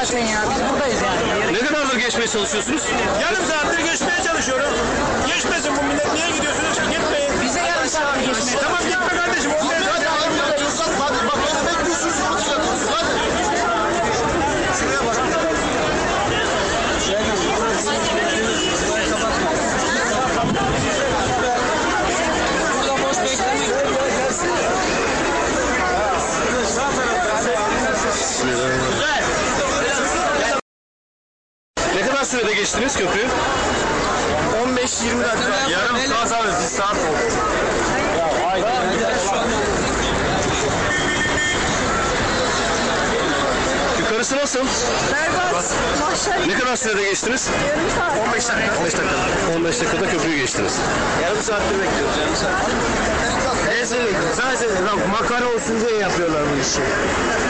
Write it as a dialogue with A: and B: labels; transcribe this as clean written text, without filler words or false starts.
A: geçmeyin ya. Biz buradayız yani.
B: Ne kadardır geçmeye çalışıyorsunuz?
C: Yarım saattir geçmeye çalışıyorum. Geçmesin bu millet. Niye gidiyorsunuz ki? Gitmeyin.
A: Bize yarım saattir geçmeyin.
C: Tamam gitme kardeşim.
D: Hadi bak beni bekliyorsunuz. Hadi. Şuraya bak.
B: Ne kadar sürede geçtiniz köprüyü?
C: 15-20 dakika.
B: Yarım saat abi, bir saat oldu. Yukarısı nasıl?
A: Berbat. Mahşer.
B: Ne kadar sürede geçtiniz?
A: Yarım saat.
C: 15 dakika.
B: 15 dakika. 15 dakikada köprüyü geçtiniz.
C: Yarım saattir bekliyoruz. Yarım saat. Neyse bekliyoruz. Sadece makara olsun diye yapıyorlar bu işi.